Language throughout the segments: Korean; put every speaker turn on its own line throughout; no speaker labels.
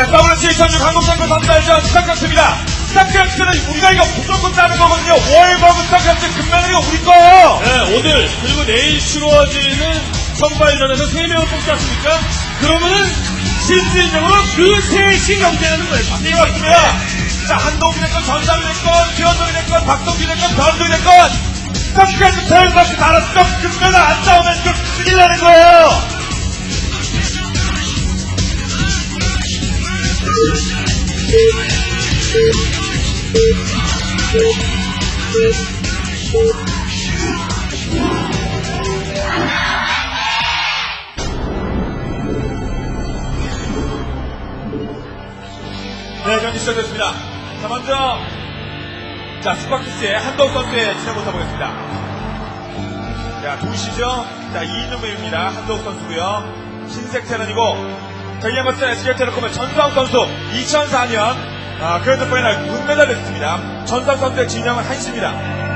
네, WC2006 한국장군 선수단전 스타크래프트입니다. 스타크래프트는 우리가 이거 무조건 따는 거거든요. 월버그 스타크래프트 금메달이가 우리 거예요.
네, 오늘 그리고 내일 치러지는 선발전에서 3명을 뽑지 않습니까? 그러면은 실질적으로 그 셋이 경쟁하는 거예요.
맞습니다. 자, 한동욱이 됐건, 전상이 됐건, 기현동이 됐건, 박동기 됐건, 변동이 됐건, 스타크래프트 대회까지 나라서 금메달 안 나오면 좀 큰일 나는 거예요. 네, 경기 시작됐습니다. 자, 먼저, 자, 스파크스의 한동욱 선수의 진행부터 보겠습니다. 자, 동시죠? 자, 2인용배입니다. 한동욱 선수고요 흰색 테란이고, 자, 이에 맞서 SK텔레콤의 전수환 선수, 2004년, 그랜드 파이널 은메달을 했습니다. 전수환 선수의 진영은 한시입니다.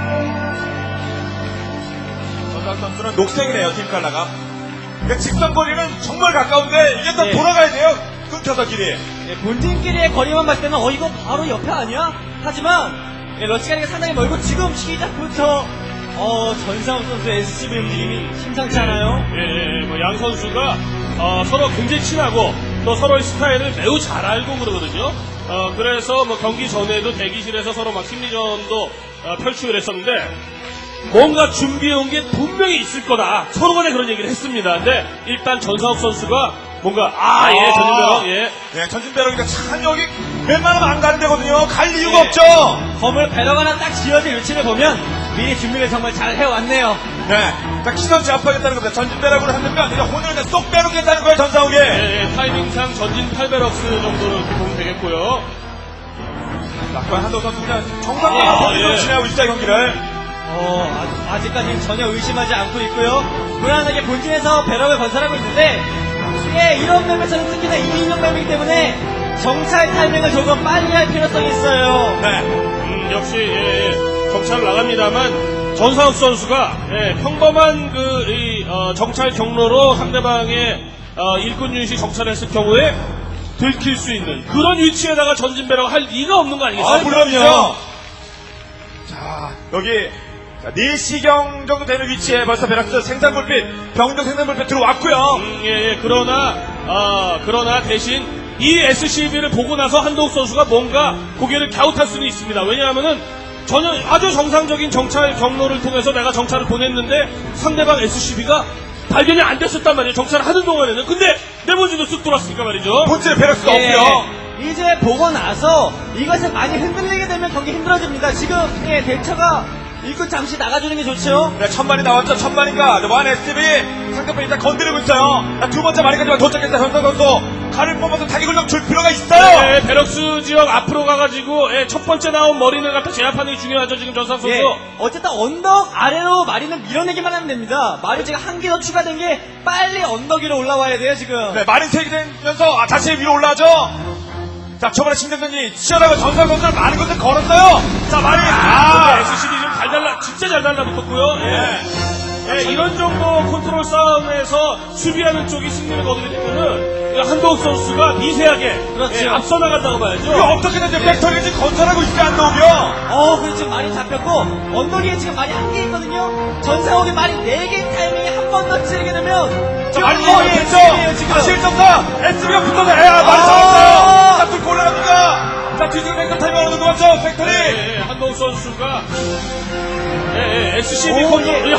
전수환 선수는 녹색이네요, 팀 칼라가. 그러니까 직선거리는 정말 가까운데, 이게 또
네.
돌아가야 돼요. 끊겨서 길이.
네, 본진끼리의 거리만 봤을 때는 이거 바로 옆에 아니야? 하지만 러시아리가 상당히 멀고 지금 시작부터 전상욱 선수의 SCB 움직임이 심상치 않아요.
뭐 양 선수가 서로 굉장히 친하고 또 서로의 스타일을 매우 잘 알고 그러거든요. 그래서 뭐 경기 전에도 대기실에서 서로 막 심리전도 펼치고 그랬었는데 뭔가 준비해온 게 분명히 있을 거다. 서로 간에 그런 얘기를 했습니다. 근데 일단 전상욱 선수가 뭔가 전진배럭
네, 전진배럭이니까 참 여기 웬만하면 안 가는 데거든요. 갈 이유가 없죠.
건물 배럭 하나 딱 지어진 위치를 보면 미리 준비를 정말 잘 해왔네요.
네, 자, 기선 제압하겠다는 겁니다. 전진배럭으로 하면 그냥 혼을 그냥 쏙 빼놓겠다는 거예요, 전상욱이.
타이밍상 전진 8배럭스 정도로 보면 되겠고요.
자, 그럼 한동 선수 그냥 정상적으로 본인으로 진행하고 있다, 경기를.
아직까지는 전혀 의심하지 않고 있고요. 무난하게 본진에서 배럭을 건설하고 있는데 이런 맵에서는 특히나 2인용 맵이기 때문에 정찰 타이밍을 조금 빨리 할 필요성이 있어요.
네. 역시 정찰을 나갑니다만 전상욱 선수가 평범한 정찰 경로로 상대방의 일꾼 유닛이 정찰했을 경우에 들킬 수 있는 그런 위치에다가 전진배럭을 할 리가 없는 거 아니겠어요?
물론요. 자, 여기 4시경 정도 되는 위치에 벌써 베락스 생산불빛, 병력 생산불빛 들어왔고요.
그러나 대신 이 SCB를 보고 나서 한동욱 선수가 뭔가 고개를 갸웃할 수는 있습니다. 왜냐하면은 전혀 아주 정상적인 정찰 경로를 통해서 내가 정찰을 보냈는데 상대방 SCB가 발견이 안 됐었단 말이에요. 정찰을 하는 동안에는. 근데 내본진도 쓱 돌았으니까 말이죠.
본질에 베락스가 없고요.
이제 보고 나서 이것을 많이 흔들리게 되면 경기 힘들어집니다. 지금 대처가 일꾼 잠시 나가주는 게 좋죠.
네, 천만이 나왔죠. 천만인가. 완 SCB 상대편 일단 건드리고 있어요. 두 번째 마리까지만 도착했다. 현상 선수 칼을 뽑아서 타격을 줄 필요가 있어요.
네, 베럭스 지역 앞으로 가가지고 첫 번째 나온 머리를 갖다 제압하는 게 중요하죠. 지금 전상 선수.
어쨌든 언덕 아래로 마리는 밀어내기만 하면 됩니다. 마리 지금 한 개 더 추가된 게 빨리 언덕 위로 올라와야 돼요 지금.
네, 마린 세기 되면서 다시 위로 올라가죠. 자, 초반에 신경전이 치열하고 전상 선수는 많은 것들 걸었어요. 자, 마린
SCB 좀 진짜 잘 달라붙었고요. 이런 정도 컨트롤 싸움에서 수비하는 쪽이 승리를 거두게 되면은 한동욱 선수가 미세하게
그렇죠.
앞서 나간다고 봐야죠.
이거 어떻게든 이제 팩토리를 지금 건설하고 있지 않나오고요.
그리고 지금 많이 잡혔고 언덕 위에 지금 많이 한 개 있거든요. 전상욱이 많이 4개 타이밍에 한 번 더 치르게 되면
자, 많이
됐죠. 지금.
다시 1.4 SB가 붙어서 많이 잡았어요. 자, 뚫고 올라갑니다. 자, 뒤지고 팩토리 타이밍 어느 정도 맞죠? 팩토리.
한동욱 선수가 SCB 컨트롤.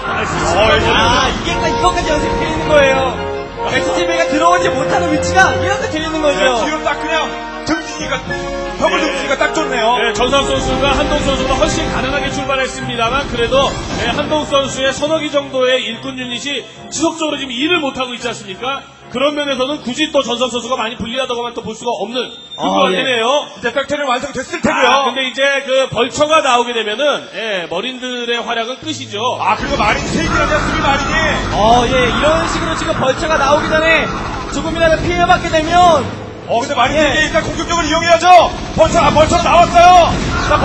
이것까지 연습해 있는 거예요. SCB가 들어오지 못하는 위치가 이렇게 돼 있는 거죠.
뒤로 딱 그냥 등지기가 벽을 등지기가 딱 좋네요.
전상 선수가 한동욱 선수가 훨씬 가능하게 출발했습니다만 그래도 한동욱 선수의 서너 개 정도의 일꾼 유닛이 지속적으로 지금 일을 못하고 있지 않습니까? 그런 면에서는 굳이 또 전상 선수가 많이 불리하다고만 또 볼 수가 없는 그런 되네요.
이제 팩토리는 완성됐을 테고요.
근데 이제 그 벌처가 나오게 되면은 머린들의 활약은 끝이죠.
그리고 마린 3개라냐 수비 마린이.
이런 식으로 지금 벌처가 나오기 전에 조금이라도 피해받게 되면
근데 마린 3개 일단 공격적으로 이용해야죠. 벌처가 나왔어요. 자,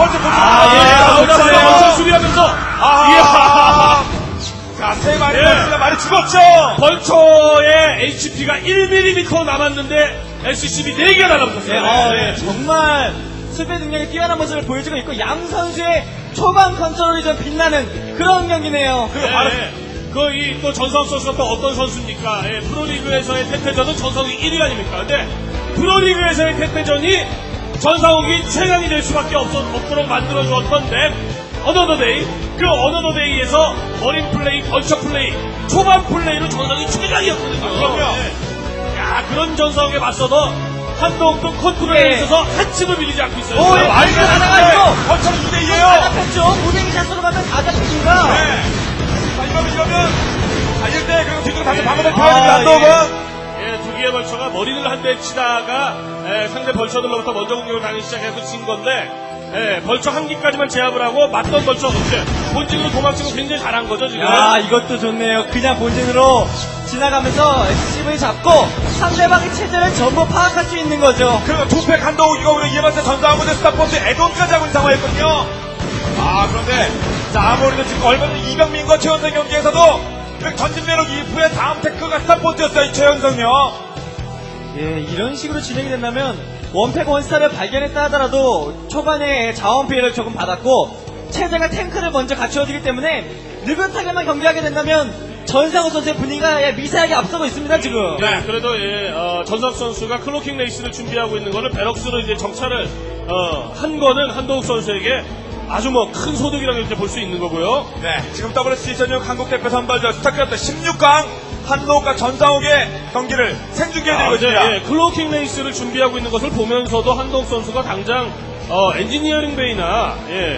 벌처
수비하면서
이야. 자, 세 마리 벌처가 많이 죽었죠.
벌처의 HP가 1mm 남았는데 SCB 4개가 달라붙었어요.
네, 정말 수비 능력이 뛰어난 모습을 보여주고 있고 양 선수의 초반 컨트롤이 좀 빛나는 그런 경기네요.
또 전상욱 선수가 또 어떤 선수입니까? 예, 프로리그에서의 태태전은 전상욱이 1위 아닙니까? 근데 프로리그에서의 태태전이 전상욱이 최강이 될 수밖에 없도록 만들어주었던 맵 어너더데이. 그 어너더데이에서 어린 플레이, 번쩍 플레이, 초반 플레이로 전상욱이 최강이었거든요.
그럼요.
야, 그런 전상욱에 맞서도 한동욱도 컨트롤에 있어서 한층을 밀리지 않고 있어요.
오, 예, 많이 나가가지고
번쩍 2대2에요.
다 잡혔죠. 무빙 샷으로 가면 다 잡힙니다.
네. 자, 이러면 달릴 때 그리고 뒤쪽으로 다시 방어를
아,
펴야 됩니다. 한동욱은.
예, 두 개의 벌처가 머리를 한 대 치다가 상대 벌처들로부터 먼저 공격을 당하기 시작해서 진 건데 벌처 한 기까지만 제압을 하고 맞던 벌처 없이 본진으로 도망치고 굉장히 잘한 거죠 지금.
아, 이것도 좋네요. 그냥 본진으로 지나가면서 SCV 잡고 상대방의 체제를 전부 파악할 수 있는 거죠.
그리고 투팩 한동욱이가 오늘 이에마스 전상훈의 스타포트 에돈까지 하고 있는 상황이었거든요. 아, 그런데, 자, 아무래도 지금 얼마 전 이병민과 최현성 경기에서도 그 전진 매력 이후에 다음 테크가 스타포트였어요, 이 최현성요.
예, 이런 식으로 진행이 된다면 원팩 원스타를 발견했다 하더라도 초반에 자원 피해를 조금 받았고 체제가 탱크를 먼저 갖추어지기 때문에 느긋하게만 경기하게 된다면 전상우 선수의 분위기가 미세하게 앞서고 있습니다 지금.
네, 그래도 전상욱 선수가 클로킹 레이스를 준비하고 있는 거를 베럭스로 이제 정찰을 한 거는 한동욱 선수에게 아주 큰 소득이라고 이렇게 볼 수 있는 거고요.
네, 지금 WC 전역 한국 대표 선발전 스타크래프트 16강 한동욱과 전상욱의 경기를 생중계해드리고 있습니다.
예, 클로킹 레이스를 준비하고 있는 것을 보면서도 한동욱 선수가 당장 엔지니어링 베이나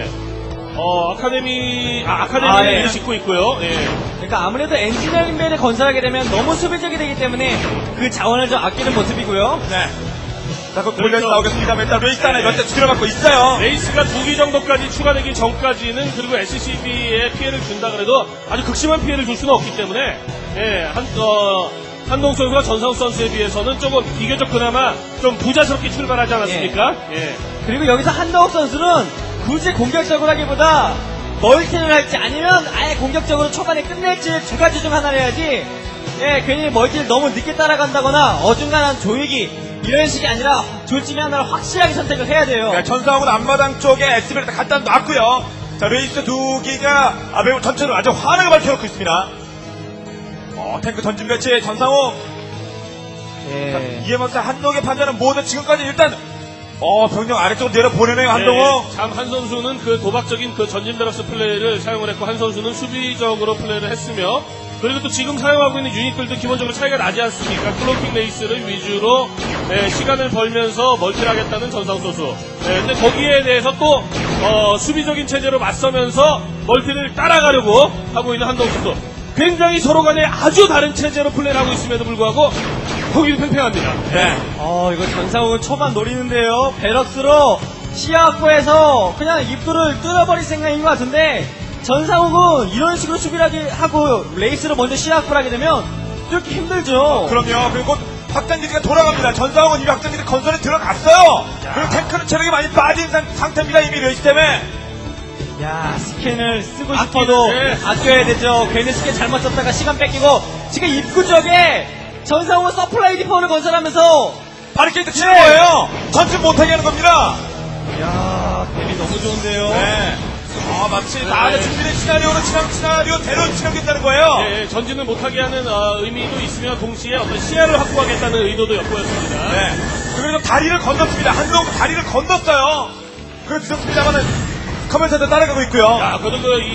아카데미를
예.
짓고 있고요. 예.
그러니까 아무래도 엔지니어링 베이를 건설하게 되면 너무 수비적이 되기 때문에 그 자원을 좀 아끼는 모습이고요.
네. 자, 그 골레스 나오겠습니다. 일단 레이스 안에 몇 대 들어맞고 있어요.
레이스가 2기 정도까지 추가되기 전까지는 그리고 SCB에 피해를 준다 그래도 아주 극심한 피해를 줄 수는 없기 때문에 한동욱 선수가 전상욱 선수에 비해서는 조금 비교적 그나마 좀 부자스럽게 출발하지 않았습니까? 예.
그리고 여기서 한동욱 선수는 굳이 공격적으로 하기보다 멀티를 할지 아니면 아예 공격적으로 초반에 끝낼지 두 가지 중 하나를 해야지. 예, 괜히 멀티를 너무 늦게 따라간다거나 어중간한 조이기 이런 식이 아니라 둘 중에 하나를 확실하게 선택을 해야 돼요.
네, 전상욱은 앞마당 쪽에 SB를 갖다 놨고요. 자, 레이스 2기가 매우 전체로 아주 환하게 밝혀놓고 있습니다. 탱크 전진 배치 전상욱.
예.
이에마스 한동욱의 판단은 모두 지금까지 일단 병력 아래쪽으로 내려보내네요, 한동욱.
참 한 선수는 그 도박적인 그 전진 베럭스 플레이를 사용을 했고 한 선수는 수비적으로 플레이를 했으며 그리고 또 지금 사용하고 있는 유닛들도 기본적으로 차이가 나지 않습니까? 클로킹 레이스를 위주로 시간을 벌면서 멀티를 하겠다는 전상욱 선수. 근데 거기에 대해서 또 수비적인 체제로 맞서면서 멀티를 따라가려고 하고 있는 한동욱 선수. 굉장히 서로 간에 아주 다른 체제로 플레이를 하고 있음에도 불구하고 거기도 팽팽합니다.
네.
이거 전상욱은 초반 노리는데요. 베럭스로 시야 확보해서 그냥 입구를 뚫어버릴 생각인 것 같은데 전상욱은 이런 식으로 수비를 하고 레이스로 먼저 시야 확보를 하게 되면 뚫기 힘들죠.
그럼요. 그리고 확장기지가 돌아갑니다. 전상욱은 이 확장기지 건설에 들어갔어요. 그리고 탱크는 체력이 많이 빠진 상태입니다. 이미 레이스 때문에.
야, 스캔을 쓰고 싶어도 아껴야 되죠. 괜히 스캔 잘못 썼다가 시간 뺏기고 지금 입구 쪽에 전상욱은 서플라이 디포를 건설하면서
바리케이트 치는 거예요. 전진 못하게 하는 겁니다.
야, 뱀이 너무 좋은데요.
네. 마치 다음에 준비된 시나리오로 시나리오대로 진행된다는 거예요.
예, 전진을 못하게 하는 의미도 있으며 동시에 어떤 시야를 확보하겠다는 의도도 엿보였습니다.
네. 그리고 다리를 건넜습니다. 한동욱 다리를 건넜어요. 그래서 늦었습니다만은 커맨센터 따라가고 있고요.
야, 그래도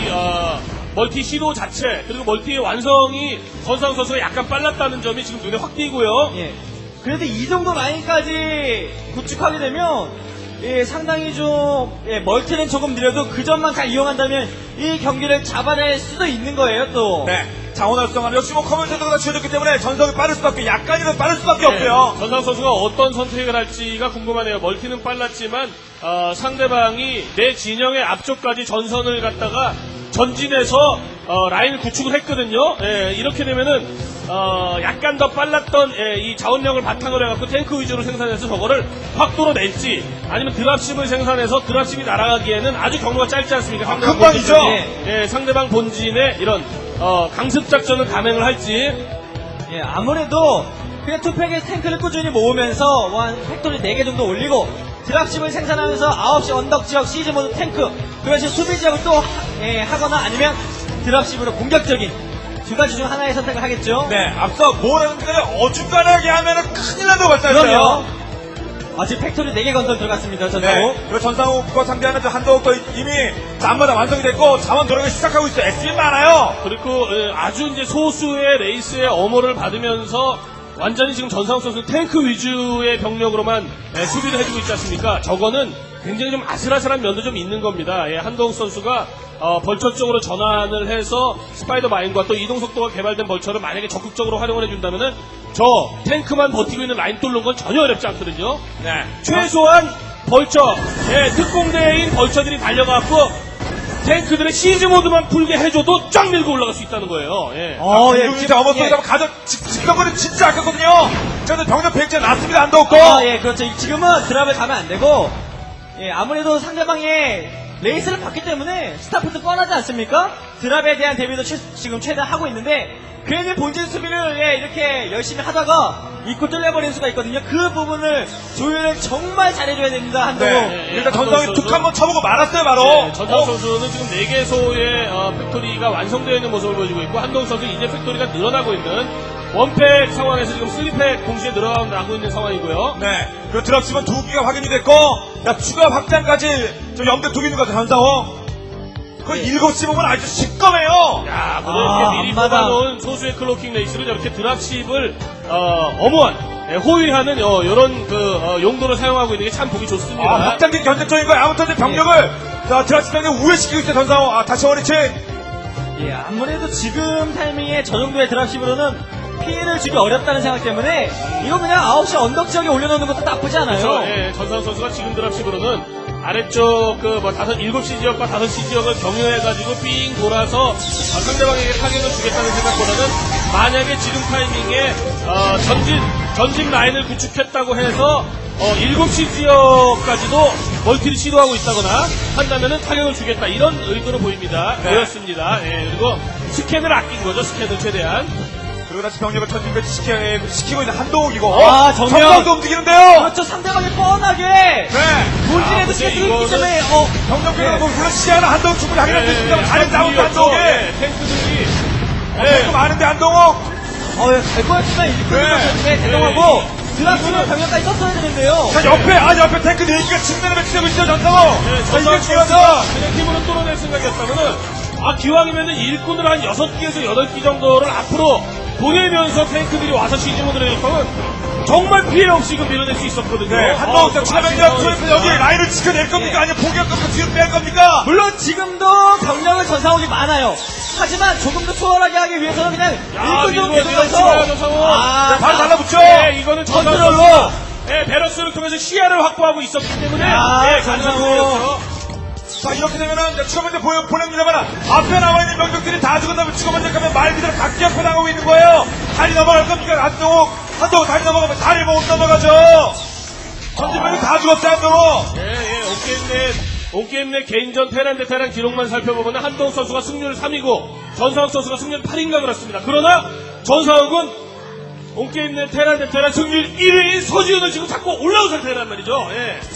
멀티 시도 자체 그리고 멀티의 완성이 전상욱 선수가 약간 빨랐다는 점이 지금 눈에 확 띄고요.
예. 그래도 이 정도 라인까지 구축하게 되면 상당히 좀 멀티는 조금 느려도 그 점만 잘 이용한다면 이 경기를 잡아낼 수도 있는 거예요 또.
네. 자원 활성화 역시 커맨센터가 지어졌기 때문에 전성이 빠를 수밖에 약간이라도 빠를 수밖에 없고요.
전상욱 선수가 어떤 선택을 할지가 궁금하네요. 멀티는 빨랐지만 상대방이 내 진영의 앞쪽까지 전선을 갖다가 전진해서 라인을 구축을 했거든요. 이렇게 되면은 약간 더 빨랐던 이 자원력을 바탕으로 해갖고 탱크 위주로 생산해서 저거를 확 뚫어낼지 아니면 드랍십을 생산해서 드랍십이 날아가기에는 아주 경로가 짧지 않습니까? 상대방
금방이죠.
상대방 본진의 이런 강습 작전을 감행을 할지.
아무래도 그냥 투팩의 탱크를 꾸준히 모으면서 한 팩토리 4개 정도 올리고 드랍십을 생산하면서 9시 언덕 지역 시즈 모드 탱크 그런 식으로 수비 지역을 또 하거나 아니면 드랍십으로 공격적인 두 가지 중 하나의 선택을 하겠죠.
네, 앞서 뭐라는 데 어중간하게 하면은 큰일 난다고
그럼요.
말씀하셨어요.
아직 팩토리 4개 건설 들어갔습니다. 전상우.
네, 그리고 전상욱과 상대하는 저 한동욱도 이미 안마다 완성이 됐고 자원 돌아가기 시작하고 있어요. SB 많아요.
그리고 아주 이제 소수의 레이스의 엄호를 받으면서 완전히 지금 전상욱 선수 탱크 위주의 병력으로만 수비를 해주고 있지 않습니까? 저거는 굉장히 좀 아슬아슬한 면도 좀 있는 겁니다. 예, 한동욱 선수가 벌처 쪽으로 전환을 해서 스파이더 마인과 또 이동 속도가 개발된 벌처를 만약에 적극적으로 활용을 해준다면은 저 탱크만 버티고 있는 라인 뚫는 건 전혀 어렵지 않거든요.
네,
최소한 벌처, 특공대인 벌처들이 달려가고 탱크들의 시즈 모드만 풀게 해줘도 쫙 밀고 올라갈 수 있다는 거예요. 예.
진짜 어머소리가 가져 지금 거는 진짜 아깝거든요. 저는 병력 백제 났습니다. 한동욱도.
예, 그렇죠. 지금은 드랍을 가면 안 되고, 예, 아무래도 상대방의 레이스를 봤기 때문에 스타포트 뻔하지 않습니까? 드랍에 대한 대비도 지금 최대한 하고 있는데, 괜히 본진 수비를 이렇게 열심히 하다가 입고 뚫려버리는 수가 있거든요. 그 부분을 조율을 정말 잘해줘야 됩니다, 한동욱.
네, 일단 전상욱이 툭 한번 쳐보고 말았어요, 바로.
네, 전상욱 선수는 지금 4개소의 팩토리가 완성되어 있는 모습을 보여주고 있고, 한동욱 선수 이제 팩토리가 늘어나고 있는 원팩 상황에서 지금 3팩 동시에 늘어나고 있는 상황이고요.
네, 그 드랍십은 2기가 확인이 됐고, 야, 추가 확장까지 좀 염두에 두고 있는 것 같아요, 전상욱. 그 7시 보면 아주 시꺼매요.
야, 이렇게 미리 뽑아놓은 소수의 클로킹 레이스를 이렇게 드랍십을 어무한 호위하는 이런 용도를 사용하고 있는 게 참 보기 좋습니다.
확장된 견제적인 거예요. 아무튼 병력을 드랍십 병력 우회시키고 있어요, 전상욱. 다시 원위치.
예, 아무래도 지금 타이밍에 저 정도의 드랍십으로는 피해를 주기 어렵다는 생각 때문에 이거 그냥 9시 언덕 지역에 올려놓는 것도 나쁘지 않아요.
그렇죠. 예, 전상욱 선수가 지금 드랍십으로는 아래쪽 7시 지역과 5시 지역을 경유해가지고 삥 돌아서 상대방에게 타격을 주겠다는 생각보다는 만약에 지금 타이밍에 전진 라인을 구축했다고 해서 7시 지역까지도 멀티를 시도하고 있다거나 한다면은 타격을 주겠다 이런 의도로 보입니다.
네.
보였습니다. 예, 그리고 스캔을 아낀 거죠. 스캔을 최대한.
그리고 다시 병력을 전진 배치시키고 있는 한동욱이고.
정면.
전상욱도 움직이는데요.
그렇죠. 상대방이 뻔하게
네.
본진에도 스케줄이 있기 때문에
병력들은 뭐 물론 시야는 한동욱 충분히 하긴 할 수 있습니다만 다른 싸움도 한동욱이.
탱크들이.
탱크 많은데 한동욱.
갈 거였지만 일꾼이 대동하고 드랍십을 병력까지 썼어야 되는데요.
자, 옆에 탱크 4기가 측면에 배치되고 있죠, 전상욱. 이게 중요하다.
그냥 힘으로 뚫어낼 생각이었다면은, 기왕이면은 일꾼을 한 6기에서 8기 정도를 앞으로 보내면서 탱크들이 와서 시즈모드를 했다면, 정말 피해 없이 밀어낼 수 있었거든요.
네, 한동욱 추가병력 투입해서 여기 라인을 지켜낼 겁니까? 아니면 포기할 겁니까? 뒤로 뺄 겁니까?
물론 지금도 병력은 전상욱이 많아요. 하지만 조금 더 수월하게 하기 위해서는 그냥 일꾼으로 계속해서
바로 달라붙죠.
네, 이거는
컨트롤로.
베러스를 통해서 시야를 확보하고 있었기 때문에
전상욱.
자, 이렇게 되면은 추가병력 보냅니다만 앞에 나와있는 병력들이 다 죽은 다음에 추가병력 가면 말 그대로 각기 앞에 나가고 있는 거예요. 다리 넘어갈 겁니까? 한동욱 다리 넘어가면 다리 못 넘어가죠. 전진병력 다 죽었어요, 한동욱.
온게임 내 개인전 테란 대 테란 기록만 살펴보면 한동욱 선수가 승률 3위고 전상욱 선수가 승률 8인가 그렇습니다. 그러나 전상욱은 온게임 내 테란 대 테란 승률 1위인 서지훈을 지금 자꾸 올라온 상태란 말이죠.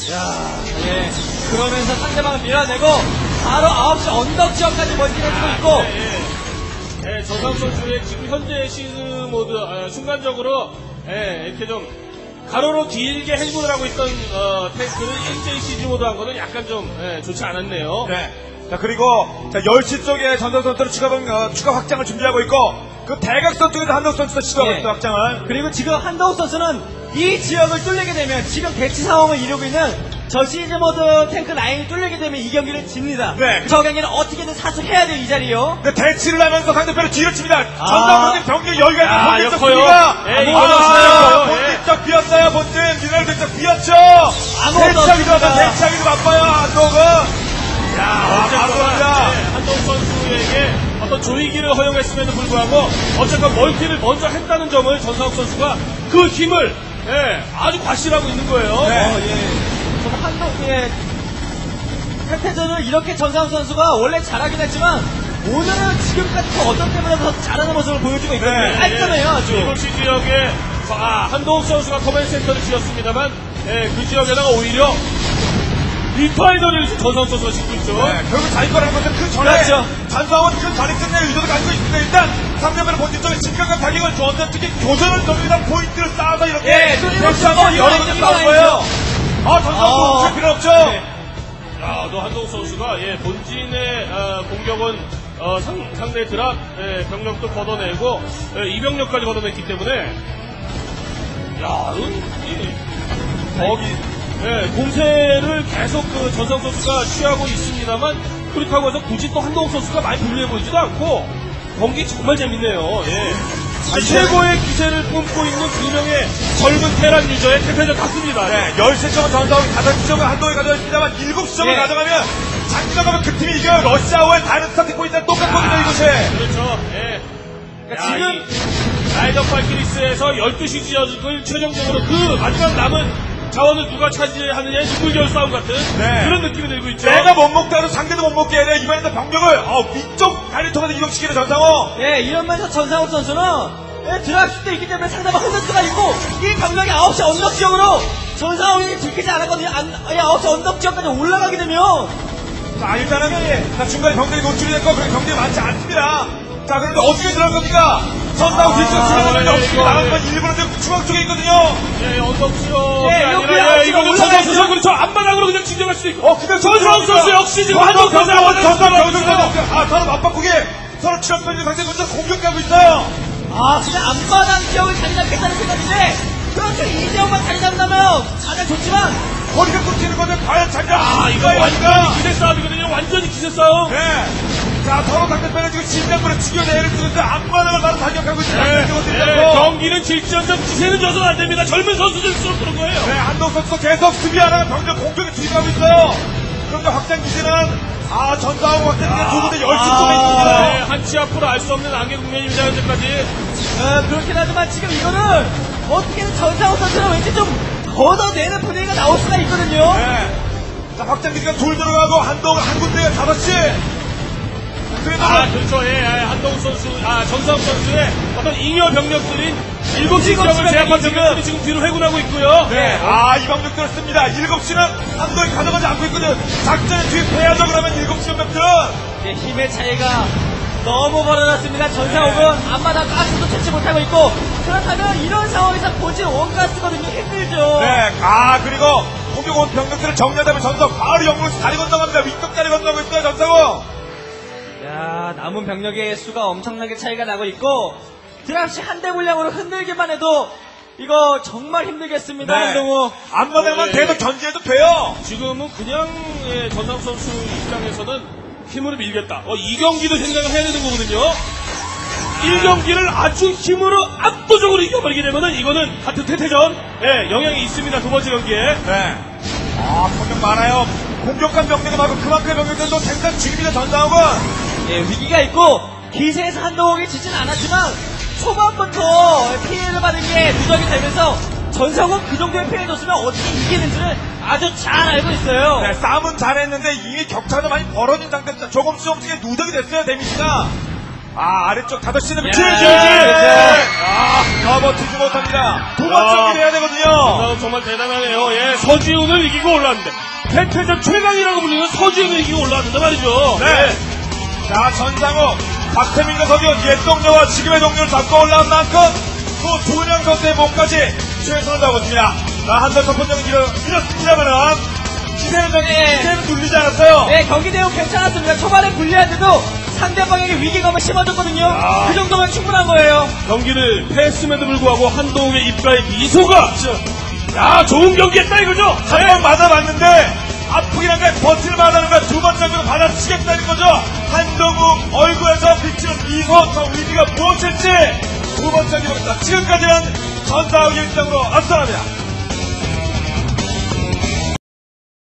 그러면서 상대방을 밀어내고 바로 9시 언덕 지역까지 멀티해주고 있고
전상욱 선수의 지금 현재 시즈 모드 순간적으로 이렇게 좀 가로로 길게 행군을 하고 있던 탱크를 일제히 시즈 모드 한 거는 약간 좀 좋지 않았네요.
네. 자, 그리고 10시 쪽에 전상 선수는 추가 확장을 준비하고 있고 그 대각선 쪽에서 한동욱 선수가 시도하고 있는 확장을.
그리고 지금 한동욱 선수는 이 지역을 뚫리게 되면 지금 대치 상황을 이루고 있는 저 시즈 모드 탱크 라인이 뚫리게 되면 이 경기를 집니다.
네.
저 경기는 어떻게든 사수해야 돼요, 이 자리요.
네, 대치를 하면서 상대편을 뒤로 칩니다. 전상 선수 병력 여유가 있는 본진 쪽
역커요.
수비가. 본진 쪽 비었어요, 본진. 미네랄 쪽 비었죠. 대치하기도 바빠요, 한동욱은.
한동욱 선수에게 어떤 조이기를 허용했음에도 불구하고 어쨌든 멀티를 먼저 했다는 점을 전상욱 선수가 그 힘을 아주 과시하고 있는 거예요.
정말 한동욱의 패패전을 이렇게 전상욱 선수가 원래 잘하긴 했지만 오늘은 지금까지 그 어떤 때보다 더 잘하는 모습을 보여주고 있거든요. 깔끔해요, 아주.
7시 지역에 한동욱 선수가 커맨 센터를 지었습니다만, 그 지역에다가 오히려 리파이너를 전상욱 선수가 짓고 있죠.
네, 결국 자기 거라는 것은 그 전에
그렇죠.
전상은 그 전에 끝낼 의도를 가지고 있습니다. 일단 상대방의 본질 쪽에 직각과 타격을 주었던 특히 교전을 돌리다 포인트를 쌓아서 이렇게
뚫리고
여러 번 싸운 거예요. 전상은 멈출 필요 없죠.
네. 또 한동욱 선수가 본진의 공격은 상대 드랍 병력도 걷어내고 이병력까지 걷어냈기 때문에 공세를 계속 그 전상 선수가 취하고 있습니다만 그렇다고 해서 굳이 또 한동욱 선수가 많이 불리해 보이지도 않고 경기 정말 재밌네요. 최고의 기세를 뿜고 있는 두 명의 젊은 테란 유저의 대표적 같습니다.
네, 13점은 전상이 5점은 한동이 가져갔습니다만 7점을 가져가면 장기적으면 그 팀이 이겨요. 러시아와의 다른 스타트 포인트는 똑같거든요, 이곳에.
그렇죠.
그러니까
지금 라이더 발키리스에서 12시 지역을 최종적으로 그 마지막 남은 자원을 누가 차지하느냐의 물결 싸움 같은 그런 느낌이 들고 있죠.
내가 못 먹더라도 상대도 못 먹게 해야 돼. 이번에는 병력을 위쪽 다리를 통해서 이동시키는 전상호.
이러면서 전상욱 선수는 드랍슛도 있기 때문에 상대방 흔들 수가 있고 이 병력이 9시 언덕 지역으로 전상욱이 들키지 않았거든요. 9시 언덕 지역까지 올라가게 되면
자, 일단은 중간에 병력이 노출이 됐고 그런 경기가 많지 않습니다. 자, 그런데 어떻게 들어간 겁니까? 전상욱 뒤쪽 지나가는데 없이 나간 건 일부러 중앙 쪽에 있거든요.
언덕 지역이
여기
아니라
아웃지가
이거는
올라가
전상 선수
있죠.
그렇죠. 앞바닥으로 그냥 진정할 수도 있고.
그냥
전상 선수 역시 지금 한동 선수
서로 맞바꾸게 서로 치럽던지 상대 먼저 공격하고 있어요.
그냥 앞마당 지역을 자리 잡겠다는 생각인데 그렇게 이 지역만 자리 잡는다면 가장 좋지만
거리가 끊기는 거는 과연 자기가
이거 완전히 기세 싸움이거든요. 완전히 기세 싸움.
네. 자, 서로 상대편에 지금 심장부를 죽여내는 쓰는데 앞마당을 바로 타격하고 있습니다.
경기는 질지언정 기세는 져서는 안 됩니다. 젊은 선수들수록 그런 거예요.
네, 한동 선수 계속 수비하다가 병력 공격에 투입하고 있어요. 그런데 확장 기세는 전사하고 확장 기세 두 군데 10시 쪽에 있습니다.
한치 앞으로 알 수 없는 안개 국면입니다. 현재까지.
그렇긴 하지만 지금 이거는 어떻게든 전상욱 선수는 왠지 좀 걷어내는 분위기가 나올 수가 있거든요.
네. 자, 확장 기세가 둘 들어가고 한동은 한 군데에 5시.
그렇죠. 한동욱 선수, 전상욱 선수의 어떤 잉여 병력들인 7시 지역을 제압한 병력들이 지금 뒤로 회군하고 있고요.
네. 이 병력들을 씁니다. 7시는 한동이 가져가지 않고 있거든. 작전에 투입해야죠. 그러면 7시 병력들은.
힘의 차이가 너무 벌어졌습니다. 전상욱은 앞마당 가스도 채취 못하고 있고 그렇다면 이런 상황에서 본진 원가스거든요. 힘들죠.
네. 그리고 공격 온 병력들을 정리하다면 전성 바로 영으로 다리 건너갑니다. 위쪽 다리 건너고 있어요. 전성호.
남은 병력의 수가 엄청나게 차이가 나고 있고 드랍시 한 대 분량으로 흔들기만 해도 이거 정말 힘들겠습니다. 한동우.
앞마당만 계속 견제해도 돼요.
지금은 그냥 전상욱 선수 입장에서는 힘으로 밀겠다. 이 경기도 생각을 해야 되는 거거든요. 1경기를 아주 힘으로 압도적으로 이겨버리게 되면은 이거는 하트 태태전 영향이 있습니다. 두 번째 경기에.
네. 병력 많아요. 공격한 병력이 많고 그만큼의 병력들도 생산 중입니다. 전상욱은.
위기가 있고 기세에서 한동욱이 지진 않았지만 초반부터 피해를 받은 게 누적이 되면서 전상욱 그 정도의 피해를 줬으면 어떻게 이기는지를 아주 잘 알고 있어요.
네, 싸움은 잘했는데 이미 격차가 많이 벌어진 상태에서 조금씩 누적이 됐어요. 데미지가. 아래쪽 5시는 버티지 못합니다. 두 번째 경기를 해야 되거든요.
전상욱 정말 대단하네요. 서지훈을 이기고 올라왔는데 패퇴전 최강이라고 불리는 서지훈을 이기고 올라왔는데 말이죠.
네. 자, 전상욱, 박태민과 서지훈, 옛 동료와 지금의 동료를 잡고 올라온 만큼 또 두 명 선수의 몸까지 최선을 다하거든요. 한달 첫 번째는 이렇습니다만은 기세는 눌리지 않았어요.
네, 경기 내용 괜찮았습니다. 초반에 불리한데도 상대방에게 위기감을 심어줬거든요. 그 정도면 충분한 거예요.
경기를 패했음에도 불구하고 한동욱의 입가에 미소가 좋은 경기했다 이거죠.
한 번 맞아봤는데 아프긴 한데 버틸만하는 건 두 번째 경기로 받아치겠다는 거죠. 한동욱 얼굴에서 비치는 미소, 저 의미가 무엇일지 두 번째 경기입니다. 지금까지는 전사의 일정으로 앞서갑니다.